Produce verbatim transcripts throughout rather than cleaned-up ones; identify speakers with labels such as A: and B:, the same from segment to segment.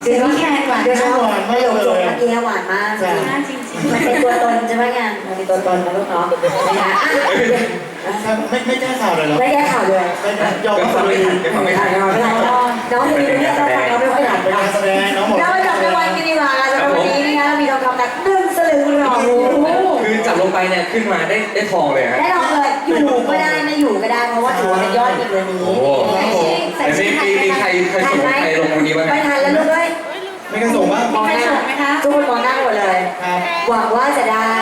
A: เสียงพี่แคนหวาน
B: เดี๋ยว
A: มาก
B: หวานมากเลย
A: จบเมื่อกี้หวานมาก
B: ใช่
A: จริงๆมันเป็นตัวตนใช่ไหมงานมันเป็นตัวตนนะลูกเนาะนะคะอ่ะ
B: ไม่ไม่แก้ข่าวเลยเหรอ
A: ไม่แก้ข่าวเลย
B: ไม่ไม่ยอม
C: ก็
B: รับ
C: ฟัง
B: เล
C: ไม่
B: ย
C: ทันก็ฟังไม่ทัน
A: น้องไม่ได้น้องคนนี้เราฟังเราไม่ค่อยหลับเลย
B: การแสดงน้องหมด
A: เราไปจับรางวัลกันดีกว่าสำหรับวันนี้นะคะเรามีทองคำหนักหนึ่งสลึงหรอ
C: คือจับลงไปเนี่ยขึ้นมาได้ได้ทองเลยฮะ
A: ได้ทองเลยอยู่ก็ได้ไม่อยู่ก็ได้เพราะว่าถือว่าเป็นยอดอีกวันนี้
C: โอ้โหแต่มีมีมีใครเคยส่งใครลงวันนี้บ้าง
A: ไม่
C: ฮะ
A: ทันแล้วลูกเอ้ย
B: ไม่กระส่งบ้าง
A: มองหน้าทุกคนมองหน้าหมดเลย
B: ครับ
A: หวังว่าจะได้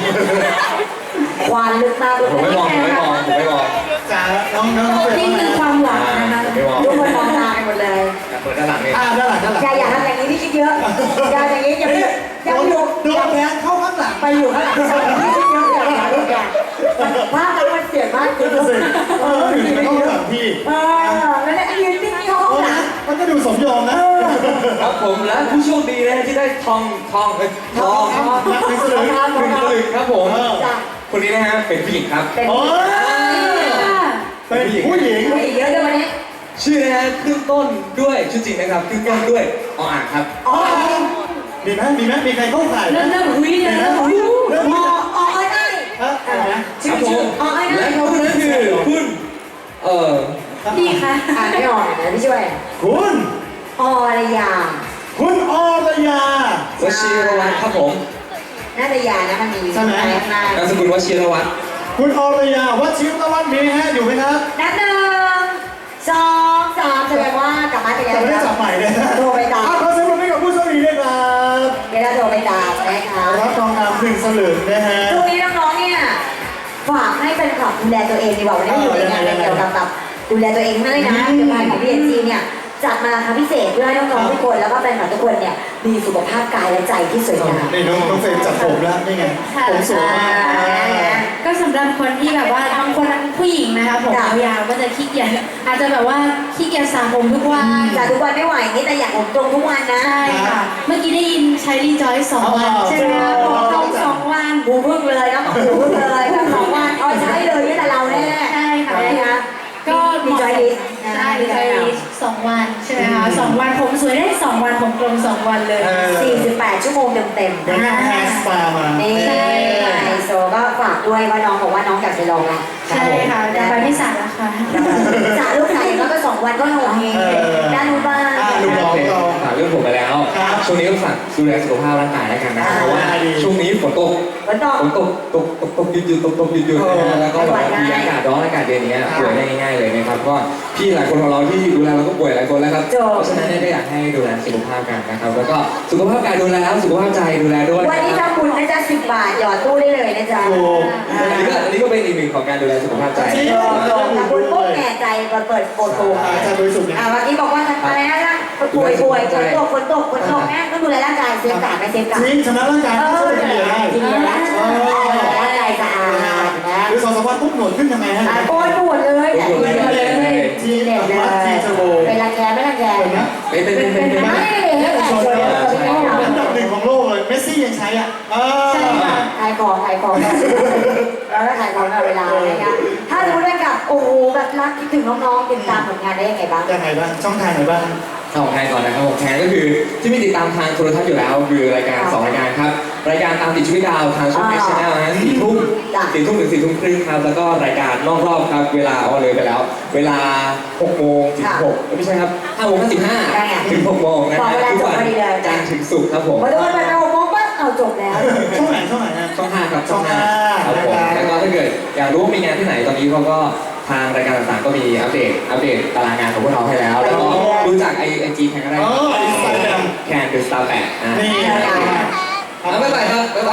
A: ความลึกมากเลย
C: ผมไม่มองผมไม่มองผมไม่มอง
B: จ๋าน้องน้องน้องเฟร
A: นี่
B: ม
A: คือความหวังนะคะทุกคนมองตากันหมดเลย
C: เปิดด้านหลังนี่
B: อ่าด้านหลังด้านหลัง
A: อย่าอย่าทำอย่างนี้พี่คิดเยอะอย่าอย่างนี้อย่าไปอย่าไปอยู่
B: โดนแทงเข้าข้างหลัง
A: ไปอยู่ข้างหลังพี่คิดเยอะอย่าอย่าลูกอย่าภาพนั้นมันเสียมากจริง
B: นั่นสิเออถึงไม่เข้าข้างหลังพี่
A: เออแล้วเนี่ยยืนนิ่งๆเข้าห้องหลัง
B: มันก็ดูสมยอมนะ
C: ครับผมและผู้โชคดีนะที่ได้ทองทองเอ้ยทอง
B: นักพิสลึง
C: หนึ่งสลึงครับผม
A: จ้ะ
C: คนนี้นะฮะเป็นผู้หญิงครับ
A: เป็น
B: โอ้ยเป็นผู้หญิง
A: เยอะด้วยวันนี้
C: ชื่อนะฮะขึ้นต้นด้วยชื่อจริงนะครับขึ้นต้นด้วยออ่างครับ
A: อ๋อ
B: มีไหมมีไหมมีใครเข้าข่ายไหม
A: เริ่มเริ่มหุยเลยเริ่มหุย
B: เริ่ม
A: อ๋
B: มี
A: ออ๋อไอ้ไอ้
B: ฮะอะไรนะ
C: ครับผมและเขาคนนั้นคือคุณเอ่อ
A: พี่คะอ่านไม่ออกเดี๋ยวพี่ช่วย
B: คุณ
A: อรยา
B: คุณอรยาว
C: ชิรวัตรครับผม
A: น่าจะยานะมันมีข้างหน้าน
C: ามสกุลวชิรวัตร
B: คุณอรยาวัชิรวัฒน์มีไหมฮะอยู่ไหมครับ
A: นับหนึ่งสองสามแสดงว่ากลับมาไปแล้ว
B: จะไม่ได้จับใหม่เลยนะ
A: โทรไปตาม
B: อ่ะขอเสียงปรบมือให้กับผู้โชคดีด้วยครับ
A: เดี๋ยวเราโทรไปตามนะคะ
B: รับทองคำหนึ่งสลึงนะฮะ
A: ช่วงนี้น้องๆเนี่ยฝากให้แฟนคลับดูแลตัวเองดีกว่าวันนี้อยู่ในงานเกี่ยวกับแบบดูแลตัวเองมากเลยนะเกี่ยวกับของพี่เอ็นจีเนี่ยจัดมาครั้งพิเศษเพื่อให้น้องๆทุกคนแล้วก็แฟนคลับทุกคนเนี่ยมีสุขภาพกายและใจที่สวยงาม
B: นี่น้องน้องเฟรมจับผมแล้วนี่ไงผมสวยมาก
D: ก็สำหรับคนที่แบบว่าบางคนผู้หญิงนะคะผมยาวๆก็จะขี้เกียจอาจจะแบบว่าขี้เกียจสระผมทุกวัน
A: แต่ทุกวันไม่ไหวนี่แต่อยากผมตรงทุกวันนะ
D: ใช่ค่ะ เมื่อกี้ได้ยินใช้รีจอยสองวันใช่ไหมคะผมตรงสองวัน
A: หูพึ่งเลยนะบอกหูพึ่งเลยแบบสองวันเอาใช้เลยนี่แต่เราแน่
D: ใช่ค่ะ
A: นะคะ
D: ก็
A: มีจอยลิส
D: ใช่รีจอยลิสสองวันใช่ไหมคะสองวันผมสวยได้สองวันผมตรงสองวันเลย
A: สี่สิบแปดชั่วโมงเต็ม
B: เดี๋ยวนั่งแฮร์สปามา
A: ๆนี่ไฮโซก็ฝากด้วยว่าน้องบอกว่าน้องอยากไปลองนะ
D: ใช่ค่ะแต่ไปไม่สระแล้วค่ะ
A: จ่าลูกชายอย่างน้อยก็สองวันก็หงเองด้านนู้นบ้าง
B: อ่ะลูกน้องเรา
C: ฝากเรื่องผมไปแล้ว ช่วงนี้ก็ฝากดูแลสุขภาพร่างกายแล้วกันนะครับเพราะว่าช่วงนี้ฝนตก
A: ฝนตก
C: ฝนตกตกตกตกหยุดหยุดตกตกหยุดหยุดนะฮะแล้วก็แบบมีอากาศร้อนอากาศเย็นอย่างเงี้ยป่วยได้ง่ายๆเลยนะครับก็พี่หลายคนของเราที่ดูแลเราก็ป่วยหลายคนแล้วครับเพราะฉะนั้นเนี่ยก็อยากให้ดูแลสุขภาพกันนะครับแล้วก็สุขภาพกายดูแลแล้วสุขภาพใจดูแลด้วย
A: วันนี้ถ้าคุณนะจ๊ะสิบบาทหยอดตู้ได้เลยนะจ๊ะ
B: ถูก
C: อันนี้ก็อันนี้ก็เป็นอีกหนึ่งของการดูแลสุขภาพใจ
B: จริง
A: ถ้าคุณปุ๊บแก่ใจมาเปิดโปรโต
B: อาจารย์บริสุทธิ์เนี่ย
A: อ่าเมื่อกี้บอกว่าอะไรนะร่างป่วยป่วยฝนตกฝนตกฝนตกแม่ต้องดูแลร่างกายเซฟกาดไม่เซฟกาด
B: จริงชนะร่างกาย
A: เอ
B: ก็
A: อ
B: ช่วย
A: เดี๋
B: เฉ
A: ยว
B: ลี่ยได้
A: จริงๆแล้วร่างกายสะอาดนะ
B: หรือสองสามวันปุ๊บหนวดขึ้นทำไมฮะ
A: โกนหนวดเลยแต่ดีเลยทีเด็ดเลยเป็นรังแกไม่รังแก
B: เป็นไหม
C: เป็นเป็นเป็นเป็น
A: ไม่ได้เลยแต่ช่วยเลย
B: อันดับหนึ่งของโลกเลยเมสซี่ยังใช้อ่ะเออ
A: ขายของขายของแล้วก็ขายของตลอดเวลานะคะถ้าสมมติว่ากับโอ้โหแบบรักคิดถึงน้องๆติดตามผลงานได้ยังไงบ้าง
B: ยังไงบ้างช่องทางไหนบ้าง
C: ของแทนก่อนนะครับของแทนก็คือที่มีติดตามทางโทรทัศน์อยู่แล้วคือรายการสองรายการครับรายการตามติดชีวิตดาวทางช่องเอชแนลนะสี่ทุ่มสี่ทุ่มถึงสี่ทุ่มครึ่งครับแล้วก็รายการนอกรอบครับเวลาเอาเลยไปแล้ว เวลาหกโมงถึงหกไม่ใช่ครับห้าโมงห้าสิบห้าถึงหกโมงนะฮะทุกวันจันทร์ถึงศุกร์ครับผม
A: พอทุกคนไปโอ้โหปั๊บเอาจบแล้ว
B: ช่องไหนช่องไหนฮะ
C: ช่องห้าครับช่องห้า
B: ช่องห้า
C: ครับผม
B: นะครับ
C: แล้วก็ถ้าเกิดอยากรู้ว่ามีงานที่ไหนตอนนี้เขาก็ทางรายการต่างๆก็มีอัปเดตอัปเดตตารางงานของพวกเราให้แล้ว แล้วก็รู้จักไอไอจีแคนก็ได้
B: อ๋อ Instagram
C: แคนเป็นสตาร์แปดนะ
B: นี่
C: เอาบ๊ายบายครับบ๊ายบาย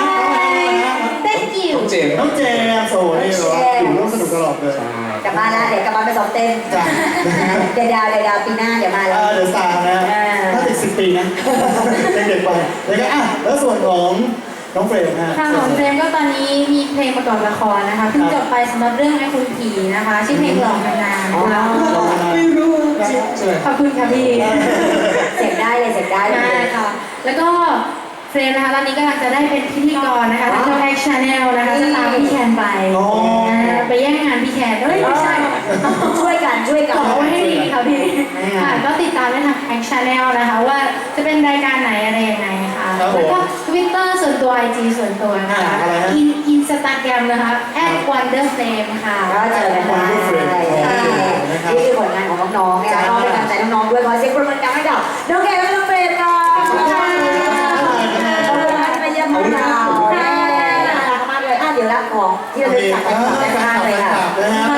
D: thank you
C: เจมส์
B: น้องเจมส์โซ่นี่เหรออยู่ร่วมสนุกตลอดเลย
C: ใช่
A: กลับมาแล้วเดี๋ยวกลับมาไปซ้อมเต้น
B: จ้ะ
A: เดี๋ยวดาวเดี๋ยวดาวปีหน้าเดี๋ยวมาแล้
B: อ่าว เดี๋ยวสามนะถ้าติดสิบปีนะเด็กๆไปแล้วก็อ่ะแล้วส่วนของน้องเฟรมฮะ
D: ค่ะของเฟรมก็ตอนนี้มีเพลงประกอบละครนะคะเพิ่งจบไปสำหรับเรื่องไอ้คุณผีนะคะชื่อเพลงหลอกนานๆนะคะ
C: ไม่รู้ใช่ไหม
D: ขอบคุณค่ะพี่
A: เสียงได้เลยเสียงได้เล
D: ได้
A: ย
D: ค่ะ แล้วก็เฟรมนะคะตอนนี้กำลังจะได้เป็นพิธีกรนะคะทางช่องแอคชั่นแนลนะคะจะตามพี่แคนไป
B: อ๋อ
D: อ่าไปแย่งงานพี่แคนเอ้ยไม่ใช่
A: ช่วยกันช่วยกัน
D: ขอไว้ให้ดีค่ะพี่
A: อ่า
D: ค่ะก็ติดตามได้ทางแอคชั่นแนลนะคะว่าจะเป็นรายการไหนอะไรยังไงค่ะ
B: ครับผม
D: แล้วก็ทวิตเตอร์ส่วนตัว ไอ จี ส่วนตัวนะคะ
B: อ่าอะไรฮะ
D: อินอินสตาแกรมนะคะ แอท วันเดอร์เฟรม ค่ะ
A: ก็เจอกันได้นี่คือผลงานของน้องๆเนี่ยก็เป็นกำลังใจน้องๆด้วยขอเสียงปรบมือดังให้กับน้องแกและน้องเฟรมค่ะขอบคุณค่ะขอบคุณมากที่มาเยี่ยมพวกเราน่ารักมากเลยอ่ะเดี๋ยวรับของที่เราจะจัดกันต่อด้านข้างเลยค่ะ
B: นะฮะ